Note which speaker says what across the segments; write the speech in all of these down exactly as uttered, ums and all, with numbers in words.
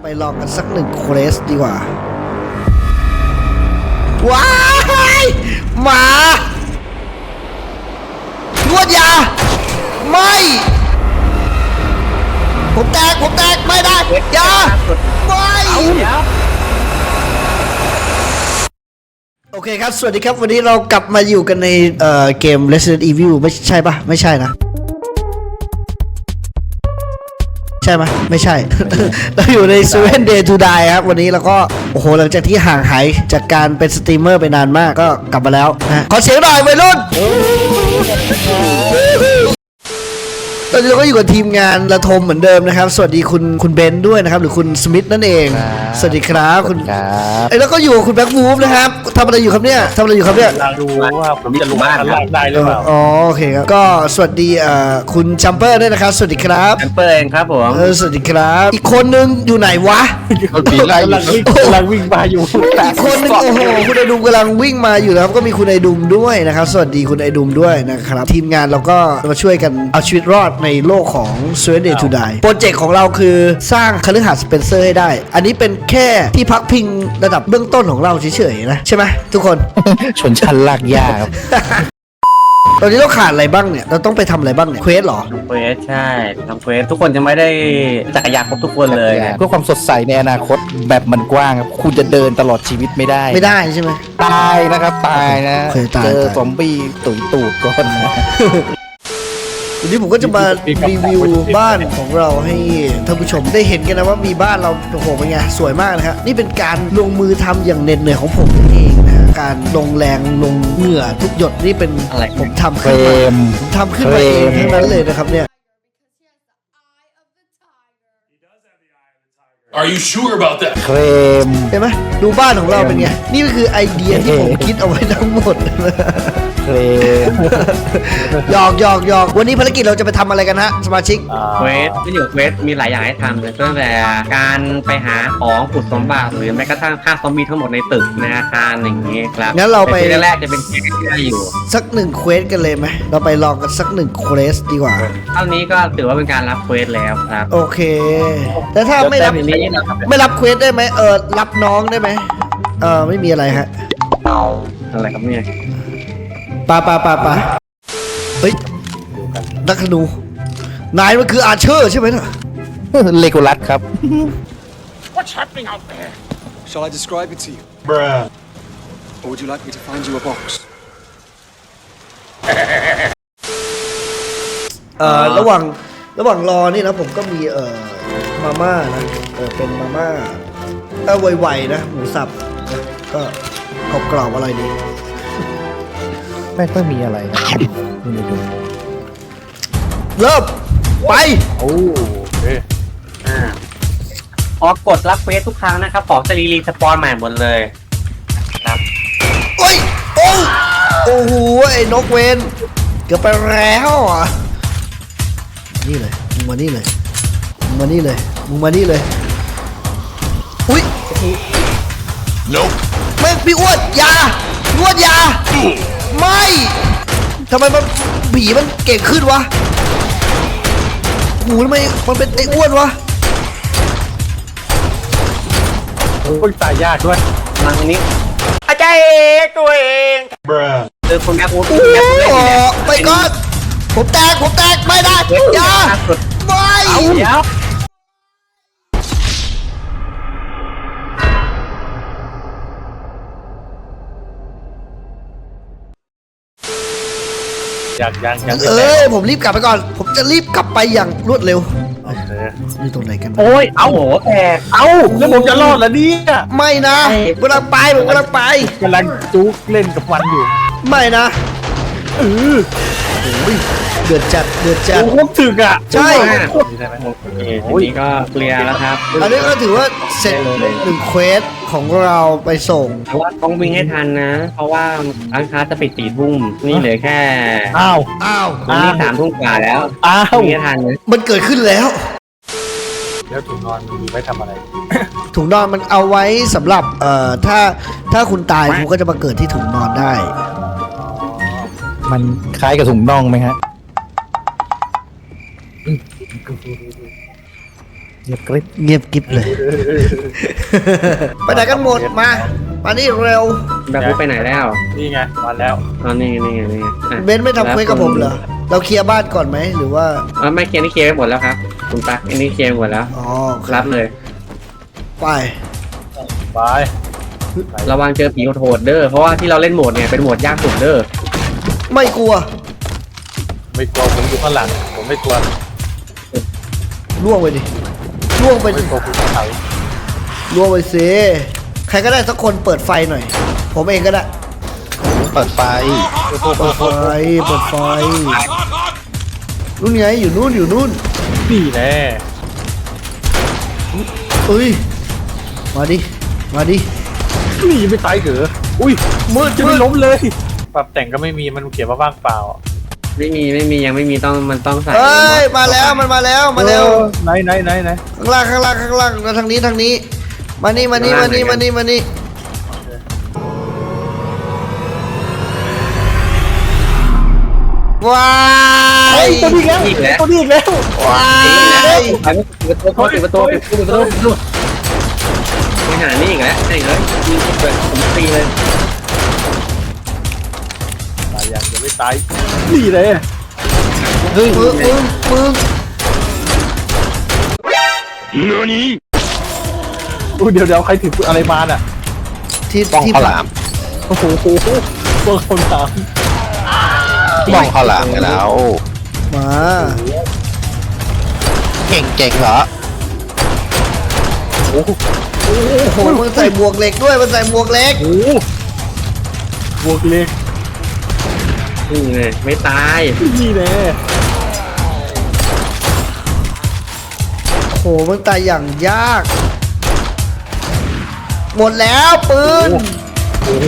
Speaker 1: ไปลองกันสักหนึ่งเควสดีกว่าว้ายหมานวดยาไม่ผมแตกผมแตกไม่ได้ยาไม่โอเคครับสวัสดีครับวันนี้เรากลับมาอยู่กันในเอ่อเกม Resident Evil ไม่ใช่ปะไม่ใช่นะใช่ไหมไม่ใช่ เราอยู่ใน Seven Day to Die ครับวันนี้เราก็โอ้โหหลังจากที่ห่างหายจากการเป็นสตรีมเมอร์ไปนานมากก็กลับมาแล้วนะขอเสียงหน่อยวัยรุ่นตอนนี้เราก็อยู่กับทีมงานระทมเหมือนเดิมนะครับสวัสดีคุณคุณเบนด้วยนะครับหรือคุณสมิธนั่นเองสวัสดีครับคุณครับไอ้แล้วก็อยู่กับคุณแบ็ควูฟนะครับทำอะไรอยู่ครับเนี่ยทำอะไรอยู่ครับเนี่ย
Speaker 2: เราดูว่าผมจะลงบ้านได้หรือเปล่า
Speaker 1: อ๋อโอเคครับก็สวัสดีเอ่อคุณจัมเปอร์ด้วยนะครับสวัสดีครับ
Speaker 2: จัมเปอร์เองครับผม
Speaker 1: เออสวัสดีครับอีกคนนึงอยู่ไหนวะ
Speaker 2: ปีไล่กำลังวิ่งกำลังวิ่งมาอยู่
Speaker 1: อีกคนนึงโอ้โหคุณไอดุมกำลังวิ่งมาอยู่นะครับก็มีคุณไอดุมด้วยนะครับสวัสดีคุณไอดุมด้วยนะครับทีมงานเราก็มาช่วยกันเอาชีวิตรอดในโลกของ Seven Day to Die โปรเจกต์ของเราคือสร้างคฤหาสน์สเปนเซอร์ให้ได้อันนี้เป็นแค่ที่พักพิงระดับเบื้องต้นของเราเฉยๆนะใช่ไหมทุกคน
Speaker 3: ชนชั้นลากยาครับ
Speaker 1: ตอนนี้เราขาดอะไรบ้างเนี่ยเราต้องไปทำอะไรบ้างเนี่ยเควสหรอ
Speaker 2: ทำเควสใช่ทำเควสทุกคนจะไม่ได้จักรยานครบทุกคนเลย
Speaker 3: เพื่อความสดใสในอนาคตแบบมันกว้างครับคุณจะเดินตลอดชีวิตไม่ได้
Speaker 1: ไม่ได้ใช่ไหม
Speaker 3: ตายนะครับตายนะเจอซอมบี้ตุ๋ยตูดก่อนนะ
Speaker 1: วันนี้ผมก็จะมารีวิวบ้านของเราให้ท่านผู้ชมได้เห็นกันนะว่ามีบ้านเราโอ้โหเป็นไงสวยมากนะครับนี่เป็นการลงมือทำอย่างเหน็ดเหนื่อยของผมเองนะการลงแรงลงเหงื่อทุกหยดนี่เป็นอะไรผมทำขึ้นมาผมทำขึ้นมาเองทั้งนั้นเลยนะครับเนี่ย
Speaker 4: Are you sure about that
Speaker 3: เครม
Speaker 1: เห็นไหมดูบ้านของเราเป็นไงนี่ก็คือไอเดียที่ผมคิดเอาไว้ทั้งหมด
Speaker 3: เครม
Speaker 1: หยอกหยอกหยอกวันนี้ภารกิจเราจะไปทำอะไรกันฮะสมาชิก
Speaker 2: เควสที่อยู่เควสมีหลายอย่างให้ทำเลยตั้งแต่การไปหาของขุดสมบัติหรือแม้กระทั่งฆ่าซอมบี้ทั้งหมดในตึกในอาคารอย่างนี้ครับ
Speaker 1: งั้นเราไป
Speaker 2: แรกๆจะเป็นเควสที่ได้อยู่
Speaker 1: สักหนึ่งเควสกันเลยไหมเราไปลองกันสักหนึ่งเควสดีกว่า
Speaker 2: เท่านี้ก็ถือว่าเป็นการรับเควสแล้วครับ
Speaker 1: โอเคแต่ถ้าไม่รับไม่รับเควสได้ไหมเออรับน้องได้ไหมเออไม่มีอะไรฮะ
Speaker 2: อะไรครับเนี่ย
Speaker 1: ปาปาปาปาเฮ้ยนักธนูนายมันคืออาร์เชอร์ใช่ไหมน่ะ
Speaker 3: เลโกลัสครับ
Speaker 4: What's happening out there
Speaker 5: Shall I describe it to you
Speaker 4: Bruh
Speaker 5: Or would you like me to find you a box
Speaker 1: เอ่อระหว่างระหว่างรอนี่นะผมก็มีเอ่อมาม่านะเออเป็นมาม่าเออไวๆนะหมูสับก็กรอบๆอะไรดี
Speaker 3: ไม่ค่อยมีอะไรนะไม่ดู
Speaker 1: เริ่มไป
Speaker 3: โอ้เอ๊ะ
Speaker 2: อ่าพอกดรับเควสทุกครั้งนะครับของจะรีรีสปอนใหม่หมดเลยครับ
Speaker 1: โอ้ยโอ้โอ้โหไอ้นกเวนเกือบไปแล้วอ่ะนี่เลยมึงมานี่เลยมึงมานี่เลยมึงมานี่เลยอุ้ย
Speaker 4: โน้
Speaker 1: แม่งพี่อ้วนยาอ้วนยาไม่ทำไมมันผีมันเก่งขึ้นวะหูทำไมมันเป็นไอ้อ้วนวะ
Speaker 3: โอ้ยตายยากด้วย
Speaker 2: มาตรงนี้
Speaker 4: อาจารย์ตัวเอง Bruh
Speaker 2: เจอคนแอปโอ้
Speaker 1: โหไปก่อนผมแตกผมแตกไม่ได้ยาไม่
Speaker 2: เดี๋ยว
Speaker 3: ยังยังยัง
Speaker 1: เอ้ยผมรีบกลับไปก่อนผมจะรีบกลับไปอย่างรวดเร็วนี่ตรงไหนกัน
Speaker 3: โอ้ยเอา
Speaker 2: โอ้โหแตก
Speaker 3: เอาแล้วผมจะรอดแล้วเนี่ย
Speaker 1: ไม่นะกำลังไปผมกำลังไป
Speaker 3: กำลังจุกเล่นกับมันอยู่
Speaker 1: ไม่นะเออโอ้ยเดือดจัดเดือดจัด
Speaker 3: โอ้โหถึกอ่ะ
Speaker 1: ใช่
Speaker 2: โอ้ยนี่ก็เคลียร์แล้วครับ
Speaker 1: อันนี้ก็ถือว่าเสร็จหนึ่งเควสของเราไปส่ง
Speaker 2: แต่ว่าต้องวิ่งให้ทันนะเพราะว่าร้านค้าจะปิดสี่ทุ่มนี่เหลือแค่
Speaker 3: อ้าว
Speaker 1: อ้าว
Speaker 2: นี่สามทุ่มกว่าแล้ว
Speaker 3: อ้าว
Speaker 2: วิ่งให้ทันนะ
Speaker 1: มันเกิดขึ้นแล้ว
Speaker 3: แล้วถุงนอนมีไว้ทำอะไร
Speaker 1: ถุงนอนมันเอาไว้สำหรับเอ่อถ้าถ้าคุณตายคุณก็จะมาเกิดที่ถุงนอนได้
Speaker 3: มันคล้ายกับถุงน่องไหมฮะเงียบกริบ
Speaker 1: เงียบกิ๊บเลย ไปไหนกันหมดมา มานี่เร็ว
Speaker 2: แบบรู้ไปไหนแล้ว
Speaker 6: นี่ไงมาแล้ว
Speaker 2: อ๋อนี่ไงนี่ไงนี่ไงอ่ะ
Speaker 1: เบนซ์ไม่ทำเควสกับผมเหรอ เราเคลียร์บ้านก่อนไหมหรือว่า
Speaker 2: อ๋อไม่เคลียร์นี่เคลียร์ไปหมดแล้วครับคุณตั๊กอันนี้เคลียร์ไปหมดแล้ว
Speaker 1: อ๋อโอเค
Speaker 2: รับเลย
Speaker 1: ไป
Speaker 6: ไป
Speaker 2: ระวังเจอผีโหดๆเด้อเพราะว่าที่เราเล่นโหมดเนี่ยเป็นโหมดยากสุดเด้อ
Speaker 1: ไม่กลัว
Speaker 6: ไม่กลัวผมอยู่ข้างหลังผมไม่กลัว
Speaker 1: ล่วงไปดิล่วงไป
Speaker 6: ไม่
Speaker 1: ดิ
Speaker 6: กลัวภูเขาไฟ
Speaker 1: ล่วงไปสิใครก็ได้สักคนเปิดไฟหน่อย ผมเองก็ได้
Speaker 3: เปิดไฟ
Speaker 1: เปิดไฟ เปิดไฟ นู่นไงอยู่นู่นอยู่นู่น
Speaker 6: นี่แน่
Speaker 1: เอ้ย มาดิ มาดิ
Speaker 6: นี่ยังไม่ตายเหรออุ้ย
Speaker 1: มืด
Speaker 6: จะ
Speaker 1: มื
Speaker 6: ไม่
Speaker 1: ด
Speaker 6: ล้มเลยปรับแต่งก็ไม่มีมันเขียนว่าว่างเปล่า
Speaker 2: ไม่มีไม่มียังไม่มีต้องมันต้องใส่
Speaker 1: เอ้ย มาแล้ว มันมาแล้ว มาเร็ว
Speaker 6: ออไหนไหนไหนไหน
Speaker 1: ข้างล่าง ข้างล่าง ข้างล่างมาทางนี้ ทางนี้ มานี่ มานี่ มานี่ มานี่ มานี่ ว้าย
Speaker 6: ตัวนี้แล้ว
Speaker 2: อีกแล้ว
Speaker 6: ตัวนี้อีกแล้ว
Speaker 1: ว้าย
Speaker 2: ปิดประตูปิดประตูปิดประตูปิดประตูไปหานี่อีกแล้วใช่เลยยิงเปิดผมตีเลย
Speaker 6: ตายยังยังไม่ตายนี่เลย
Speaker 1: มึงมึงมึง
Speaker 6: อุ้ยเดี๋ยวเดี๋ยวใครถืออะไรมาน่ะ
Speaker 1: ที่
Speaker 3: บ้อง
Speaker 1: ที่
Speaker 3: ข้าวหลาม
Speaker 6: โอ้โหตัวคนถาม
Speaker 3: บ้องข้าวหลามไปแล้ว
Speaker 1: มา
Speaker 3: เก่งเก่งเหรอ
Speaker 6: โอ้โห
Speaker 1: โอ้โหมันใส่หมวกเหล็กด้วย มันใส่หมวกเหล็ก
Speaker 6: โอ้โหบวกเล็ก
Speaker 2: นี่เลยไม่ตาย
Speaker 6: นี่แน่
Speaker 1: โอ้โห มันตายอย่างยาก หมดแล้วปืน
Speaker 6: โอ้โห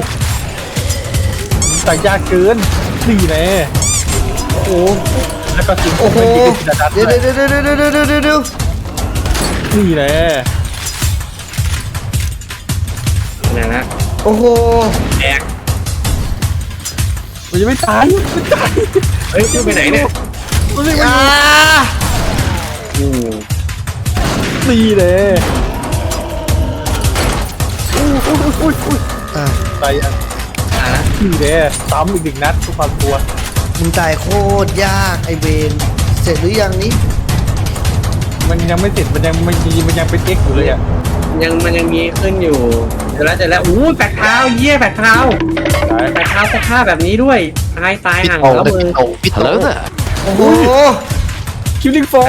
Speaker 6: แต่ยากเกินนี่แน่
Speaker 1: โอ้โห
Speaker 6: แล้วก็ถึง
Speaker 1: โอ้โห
Speaker 6: จะดัด
Speaker 1: เดี๋ยวเดี๋ยวเดี๋ยวเดี๋ยวเดี๋ยวเดี๋ยวเดี๋ยวเดี๋ยว
Speaker 6: นี่แน่
Speaker 2: นะฮะ
Speaker 1: โอ้โห
Speaker 2: แตก
Speaker 6: มันยังไม่ตายไม่ตาย
Speaker 2: เฮ้ยไปไหนเนี่ย
Speaker 6: มันไม่
Speaker 1: อ่า
Speaker 2: อืม
Speaker 6: นี่แน่อุ้ยอุ้ยอุ้ยอุ้ย
Speaker 1: อ่ะ
Speaker 6: ตายยัง
Speaker 2: อ่ะ
Speaker 6: นี่แน่ซ้ำอีกหนึ่งนัดทุกความกลัว
Speaker 1: มึงตายโคตรยากไอเวนเสร็จหรือยังนี่
Speaker 6: มันยังไม่เสร็จมันยังมันยังมันยังเป็นเอ็กอยู่เลยอ่ะ
Speaker 2: ยังมันยังมีขึ้นอยู่เดี๋ยวแล้วเดี๋ยวแล้วอู้แปดเท้าเยี่ยแปดเท้า
Speaker 6: ตาย
Speaker 2: แปดเท้าสภาพแบบนี้ด้วยตายตาย
Speaker 3: พี่
Speaker 2: ห่าง
Speaker 3: โต
Speaker 2: แล้ว
Speaker 3: พี่
Speaker 2: มือ
Speaker 3: โตพี่โต
Speaker 1: โอ้โห
Speaker 6: คิวลิงโฟ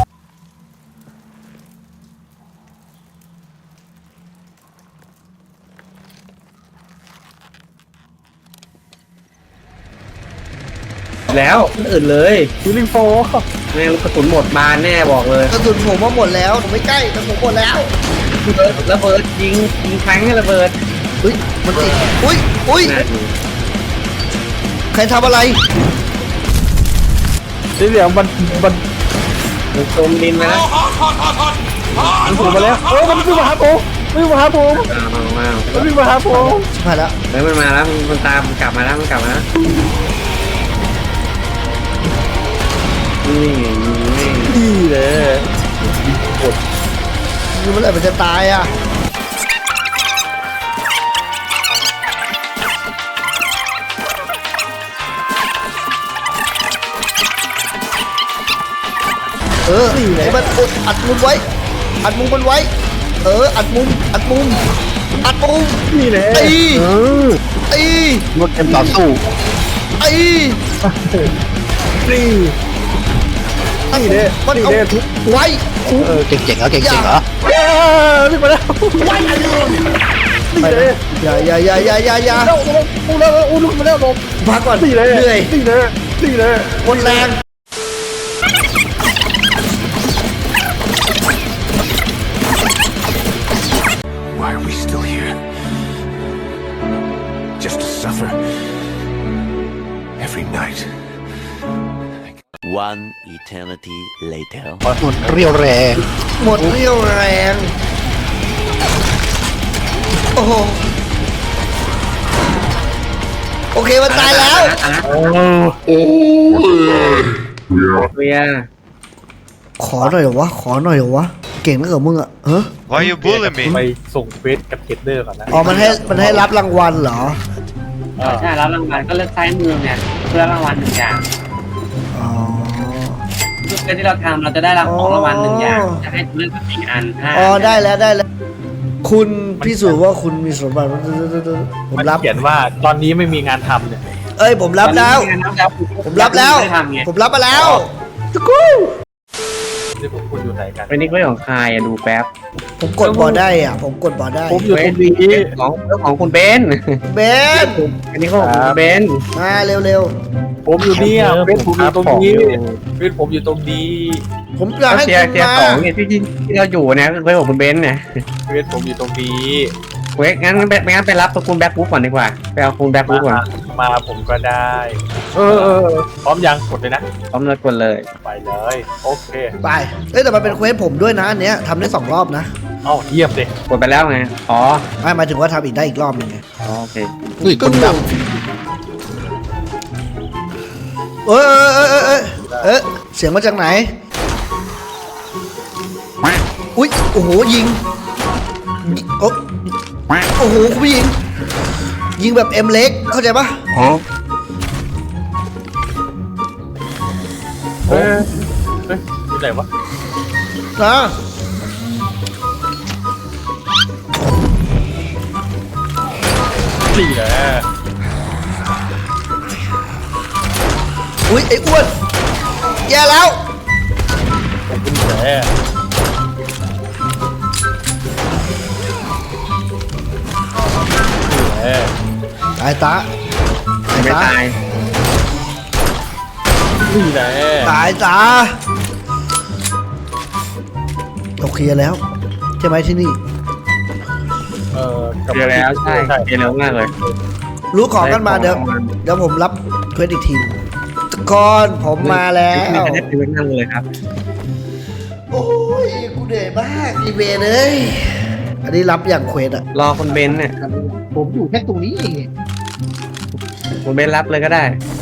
Speaker 2: แล้วอื่นเลย
Speaker 6: คิวลิงโฟ
Speaker 2: แม่งลูกกระสุนหมดบานแน่บอกเลย
Speaker 1: กระสุนผมว่าหมดแล้วผมไม่ใกล้แต่ผมหมดแล้ว
Speaker 2: ระเบิดระเบิดยิงยิงแทงให้ระเบิด
Speaker 1: อุ้ยมันติดอุ้ยอุ้ย
Speaker 2: นะ
Speaker 1: ใครทำอะไร
Speaker 6: สีเหลืองมันมัน
Speaker 2: มันจมดินไปแล้ว
Speaker 6: มันถูกมาแล้วเออมันวิ่งมาหาผมวิ่งมาหาผม
Speaker 2: อ้าวอ้าว
Speaker 6: มันวิ่งมาหาผม
Speaker 1: มาแล้ว
Speaker 2: เฮ้ยมันมาแล้วมันตามมันกลับมาแล้วมันกลับมาแล้วนี่นี่
Speaker 6: นี่แหละ
Speaker 1: นี่เมื่อไหร่มันจะตายอ่ะเออไอ้มันอุดอัดมุมไว้ อัดมุมมันไว้ เออ อัดมุม อัดมุม อัดมุม
Speaker 6: นี่แหละ
Speaker 1: ตี
Speaker 6: เออ
Speaker 1: ตี
Speaker 3: รถเต็มต่อสู้
Speaker 1: ตี
Speaker 6: นี่นี่แหละ
Speaker 1: มัน
Speaker 6: นี่
Speaker 1: เอา
Speaker 6: แหละทุก
Speaker 1: ไว้
Speaker 3: เออเก่งเก่งเหรอเก่งเก่งเหรอ
Speaker 6: เออวิ่งมาแล้วนี่แหละ
Speaker 1: อย่าอย่าอย่าอย่าอย่าอย่า
Speaker 6: แล้วอู้แล้วอู้ลุกมาแล้วลง
Speaker 1: พักก่อน
Speaker 6: นี่แหละ
Speaker 1: เหนื่อย
Speaker 6: นี่แหละนี่แหละ
Speaker 1: หมดแรง
Speaker 4: Why are we still here? Just to suffer every night.
Speaker 7: One eternity later.
Speaker 3: หมดเรียวแรง
Speaker 1: หมดเรี่ยวแรง โอ้โห โอเคมันตายแล้ว
Speaker 2: เวีย
Speaker 1: ขอหน่อยเหรอวะ ขอหน่อยเหรอวะเก่งนักเหรอมึงอ่ะเฮ้
Speaker 8: Why you bullying me?
Speaker 6: ไปส่งเฟสกับเกตเดอร์ก่อนนะ
Speaker 1: อ๋อมันให้มันให้รับรางวัลเหรอ
Speaker 2: ใช่รับรางวัลก็เลือกซ้ายมือเนี่ยเพื่อรางวัลหนึ่งอย่าง
Speaker 1: อ๋อ
Speaker 2: ทุกเกมที่เราทำเราจะได้รับของรางวัลหนึ่งอย่างจะให้เลือกสี่อันห้า
Speaker 1: อ๋อได้แล้วได้แล้ว คุณพิสูจน์ว่าคุณมีสมบัติผม
Speaker 6: มัน
Speaker 1: รับ
Speaker 6: เขียนว่าตอนนี้ไม่มีงานทำเนี่ย
Speaker 1: เอ้ยผมรับแล้ว ผมรับแล้ว
Speaker 2: ไม่ได้ทำไง
Speaker 1: ผมรับมาแล้วตะกู
Speaker 6: นี่ผมคุณอยู่ไหนกัน
Speaker 2: เป็นนี่ก็ของใครอะดูแป๊บ
Speaker 1: ผมกดบอได้อ่ะ ผมกดบอได้
Speaker 6: ผมอยู่ตรงนี้
Speaker 2: ของของคุณเบน
Speaker 1: เบน
Speaker 2: อันนี้ก็ของคุณเบน
Speaker 1: มาเร็ว
Speaker 6: ผมอยู่นี่อ่ะเฟสผมอยู่ตรงนี้เฟสผมอยู่ตรงนี้
Speaker 1: ๆ ผมอยากให้
Speaker 2: เทีย
Speaker 1: คุณ
Speaker 2: เทีย
Speaker 1: มา
Speaker 2: สองเนี่ยที่ที่เราอยู่เนี่ยคือของคุณเบนเนี่ย
Speaker 6: เฟสผมอยู่ตรงนี้
Speaker 2: เว้ยงั้นงั้นไปงั้นไปรับตัวคุณแบ็คบุ๊กก่อนดีกว่าไปเอาคุณแบ็คบุ๊กก่อน
Speaker 6: มาผมก็ได้ เออเออพร้อมยังกดเลยนะ
Speaker 2: พร้อมเลยกดเลย
Speaker 6: ไปเลยโอเค
Speaker 1: ไปเอ้ยแต่มันเป็นเควสผมด้วยนะอันเนี้ยทำได้สองรอบนะ
Speaker 6: เอ้าเยี่ยมเลย
Speaker 2: กดไปแล้วไงอ๋อ
Speaker 1: ไม่หมายถึงว่าทำอีกได้อีกรอบหนึงไง
Speaker 2: อ๋อโอเค
Speaker 3: อุ้ยคนดับ
Speaker 1: เอ้ยเอ้ยเอ้ยเอ้ยเอ้ยเสียงมาจากไหน อุ้ยโอ้โหยิงโอ้โอ้โหคุณผู้หญิงยิงแบบเอ็มเล็กเข้าใจปะ
Speaker 6: เออเฮ้ยอยู่ไหนวะ
Speaker 1: นะ
Speaker 6: สี่แหละ
Speaker 1: อุ้ยไอ้อ้วนแย่แล้ว
Speaker 6: ผมเป็นแหละแหละ
Speaker 1: ตายตา
Speaker 2: ไม่ตาย
Speaker 6: นี่แหละ
Speaker 1: ตายตาเราเคลียร์แล้วใช่ไหมที่นี่
Speaker 6: เออ
Speaker 2: เจอแล้วใช่เจอเร็วมากเลย
Speaker 1: รู้ของกันมาเดี๋ยวเดี๋ยวผมรับเควสอีกทีทุกคนผมมาแล้ว
Speaker 2: ไม่ได้เป็นนั่งเลยครับ
Speaker 1: โอ้ยกูเหนื่อยมากอีเวนเลยอันนี้รับอย่างเควสอะ
Speaker 2: รอคุณเบนเนี่ย
Speaker 3: ผมอยู่แค่ตรงนี้เอง
Speaker 2: คุณเบนรับเลยก็ได้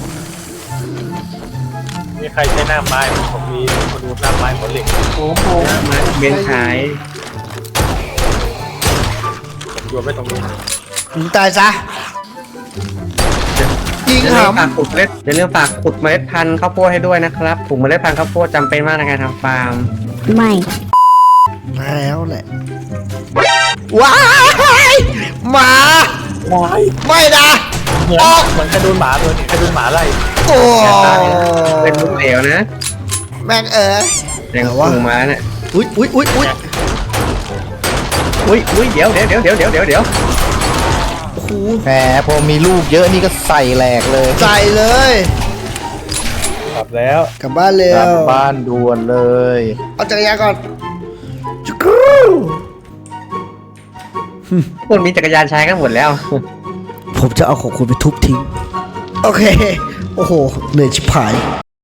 Speaker 6: มีใครใช้หน้าไม้ผมมีคนดูหน้าไม้หัวเหล็ก
Speaker 3: โอ้โห
Speaker 2: มาเบนขาย
Speaker 6: ผมโยนไว้ตรงนี้
Speaker 1: มึงตายซะยิง
Speaker 2: อย่า
Speaker 1: ห
Speaker 2: ลืมฝากขุดเมล็ดอย่าลืมฝากขุดเมล็ดพันธุ์ข้าวโพดให้ด้วยนะครับถุงเมล็ดพันธุ์ข้าวโพดจำเป็นมากในการทำฟาร์ม
Speaker 9: ไม่
Speaker 1: ำมาแล้วแหละว้ายหมา
Speaker 6: ว้าย
Speaker 1: ไม่นะ
Speaker 6: เหมือน
Speaker 1: ออก
Speaker 6: เหมือนกระโดนหมาเลยกระโดนหมาไล่
Speaker 1: โอ้
Speaker 2: เป็นลูกเหลวนะ
Speaker 1: แม่งเอ๋ย
Speaker 2: แรงสูงมาเนี่ย
Speaker 1: อุ้ยอุ้ยอุ้ยอุ้ย
Speaker 2: อุ้ยอุ้ยเดี๋ยวเดี๋ยวเดี๋ยวเดี๋ยวเดี๋ยวเดี๋ยวเดี๋ยว
Speaker 1: โอ้โห
Speaker 3: แหมพอมีลูกเยอะนี่ก็ใส่แหลกเลย
Speaker 1: ใจเลย
Speaker 6: กลับแล้ว
Speaker 1: กลับบ้านเร็
Speaker 3: กลับ
Speaker 1: ว
Speaker 3: บ้านด่วนเลย
Speaker 1: เอาจักรยานก่อนจุกรู
Speaker 2: คนมีจักรยานใช้กันหมดแล้ว
Speaker 1: ผมจะเอาของคุณไปทุบทิ้ง โอเค โอ้โหเหนื่อยชิบหาย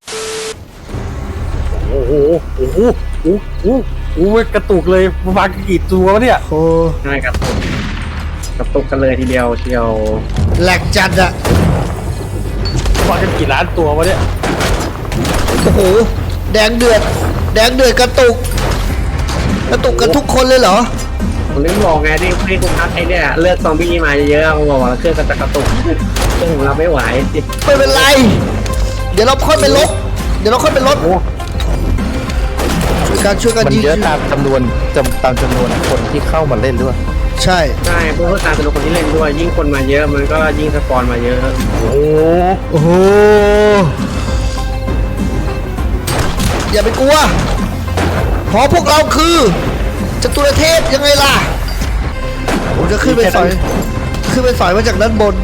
Speaker 6: โอ้โหโอ้โหโอ้โหโอ้โหกระตุกเลยมันมากี่ตัววะเนี่ย
Speaker 1: โอ้
Speaker 2: ง่ายกระตุกกระตุกกันเลยทีเดียวเชียว
Speaker 1: แหลกจัดอะ
Speaker 6: มากันกี่ล้านตัววะเนี่ย
Speaker 1: โอ้โหแดงเดือด แดงเดือดกระตุก กระตุกกันทุกคนเลยเหรอ
Speaker 2: ผมนึกบอกไงที่ที่คุณพักไอ้เนี่ยเลือกซอมบี้มาเยอะๆผมบอกว่าเครื่องก็จะกระตุกเครื่องของเราไม่ไหว
Speaker 1: ไม่เป็นไร เดี๋ยวเราค่อยไปลบ เดี๋ยวเราค่อยไปลบช่วยกันช่วยกัน
Speaker 3: มัน
Speaker 1: ยิง
Speaker 3: เยอะตามจำนวนจำตามจำนวนคนที่เข้ามาเล่นด้วย
Speaker 1: ใช่
Speaker 2: ใช่เพื่อการเป็นคนที่เล่นด้วย ยิ่งคนมาเยอะมันก็ยิ่งสปอนมาเยอะ
Speaker 6: โอ้โห
Speaker 1: โอ้โห อย่าไปกลัวเพราะพวกเราคือจตุรเทพยังไงล่ะ ผมจะขึ้นไปสอย ขึ้นไปสอยมาจากด้านบน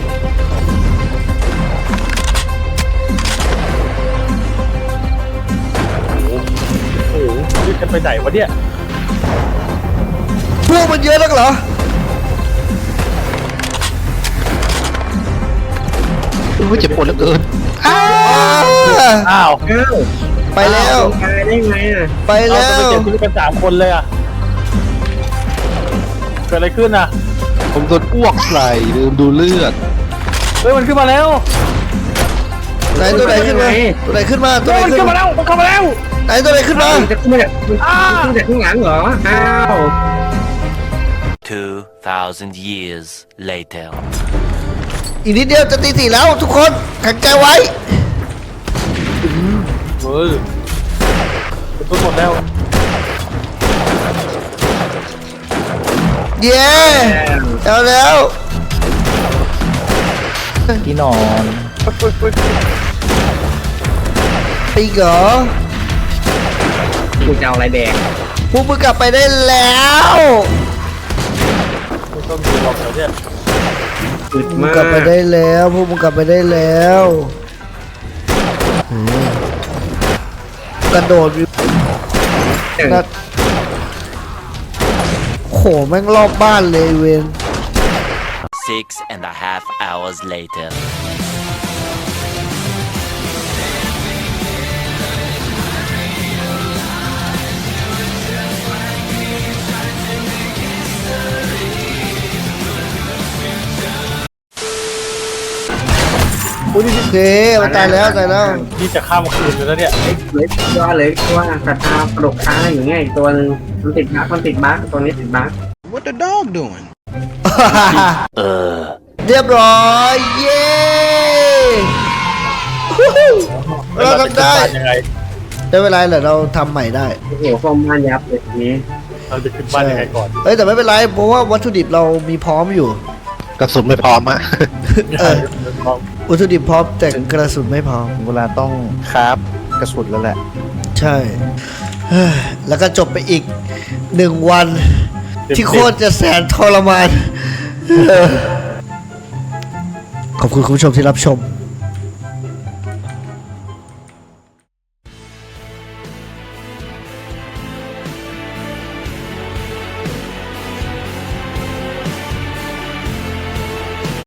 Speaker 6: โอ้โหนี่กันไปไหนวะเนี่ย
Speaker 1: พวกมันเยอะนักเหรอ
Speaker 3: โอ้ยเจ็บปวดเหลือเกิน
Speaker 1: อ้าว
Speaker 6: อ้าว
Speaker 2: เอ้า
Speaker 1: ไปแล้ว
Speaker 2: ตายได้ไงอ่ะ
Speaker 1: ไป
Speaker 6: เอา
Speaker 1: แล้
Speaker 6: จะไป
Speaker 1: ว
Speaker 6: เจ็บชีวิตกันสามคนเลยอ่ะเกิดอะไรขึ้นอ่ะ
Speaker 3: ผมโดนอ้วกใส่ลืมดูเลือด
Speaker 6: เฮ้ยมันขึ้นมาแล้ว
Speaker 1: ไหนตัวไหนขึ้นมา ตัวไหนขึ้นมา ตัว
Speaker 6: เฮ้
Speaker 1: ไห
Speaker 6: ย
Speaker 1: น
Speaker 6: มัน
Speaker 1: ขึ้น
Speaker 6: ขึ้น
Speaker 1: มา
Speaker 6: มาแล้วมันเข้ามาแล้ว
Speaker 1: ไหนตัวไหนขึ้นมา
Speaker 2: จะขึ้นมาจากขึ้นมาจากข้างหลังเหรออ้าว
Speaker 7: Two thousand years later.
Speaker 1: อีกนิดเดียวจะตีสี่แล้วทุกคนแข็งใจไว้
Speaker 6: เฮ้ยตุ้นหมดแล้ว
Speaker 1: เย้เอาแล้ว
Speaker 3: ที่นอน
Speaker 1: ปีเหรอ
Speaker 2: กูจะเอาอะไรแดง
Speaker 1: พวกมึงกลับไปได้แล้ว
Speaker 6: ไม่ต้องดูหรอกเดี๋ยวเนี่ย
Speaker 2: อึด
Speaker 1: มึง
Speaker 2: มาก
Speaker 1: กลับไปได้แล้วพวกมึงกลับไปได้แล้วอืมกระโดดอยู่นัดโหแม่งรอบบ้านเลยเวน
Speaker 7: Six and a half hours later.
Speaker 6: อุ้ยนี่
Speaker 1: โอเคมันตายแล้วตายแล้ว
Speaker 6: นี่จะข้ามคืนเลยแล้วเนี่ย
Speaker 2: เหลยตัวเหลยตัวกระทาปลกค้างอย่างเงี้ยอีกตัวนึงมันติดบั๊กมันติดบั๊กตัวนี้ติดบั๊ก
Speaker 4: What the dog doing?
Speaker 7: Uh.
Speaker 1: เรียบร้อยเย้ฮู้ฮู้เราทำได้
Speaker 6: ยังไง
Speaker 1: ได้เวลาเหรอเราทำใหม่ได้
Speaker 2: โอ้โหฟอร์มบ้านยับเลยทีนี้
Speaker 6: เราจะขึ้นบ้านยังไงก่อน
Speaker 1: เอ้ยแต่ไม่เป็นไรเพราะว่าวัตถุดิบเรามีพร้อมอยู่
Speaker 3: กระสุนไม่พร้อมอะ
Speaker 1: เออ วัตถุดิบพร้อมแต่กระสุนไม่พร้อม
Speaker 3: เวลาต้องคราฟกระสุนแล้วแหละ
Speaker 1: ใช่เฮ้ยแล้วก็จบไปอีกหนึ่งวัน ที่โคตรจะแสนทรมานเออขอบคุณคุณผู้ชมที่รับชม